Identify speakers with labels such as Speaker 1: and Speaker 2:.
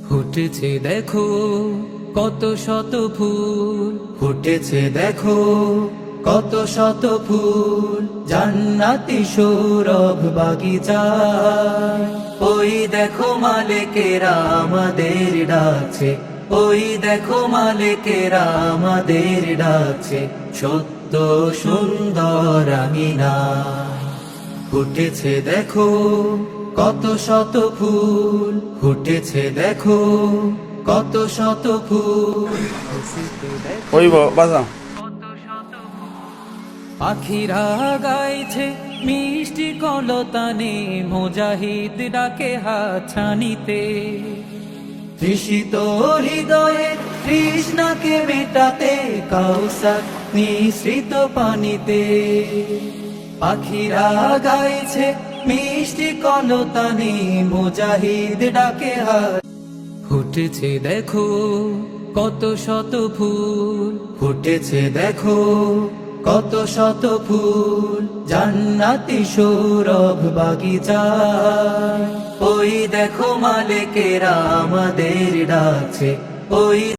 Speaker 1: ফুটেছে দেখো কত শত ফুল, ফুটেছে দেখো কত শত ফুল, জান্নাতি সৌরভ বাগিচায়। ওই দেখো মালিকেরা আমাদের ডাকছে, ওই দেখো মালিকেরা আমাদের ডাকছে, সত্য সুন্দর আমিনায়। ফুটেছে দেখো কত শত ফুল, ফুটেছে দেখো কত শত ফুল।
Speaker 2: ওই বাজা
Speaker 1: পাখিরা গাইছে মিষ্টি কলতানে, মুজাহিদ ডাকে হাতছানিতে। তৃষিত হৃদয়ে তৃষ্ণাকে মেটাতে, কাউসার নিঃসৃত পানিতে। পাখিরা গাইছে মিষ্টি কলতানে, মুজাহিদ ডাকে হাত। ফুটেছে দেখো কত শত ফুল, ফুটেছে দেখো কত শত ফুল, জান্নাতি সৌরভ বাগিচায়। ওই দেখো মালিকেরা আমাদের ডাকছে, ওই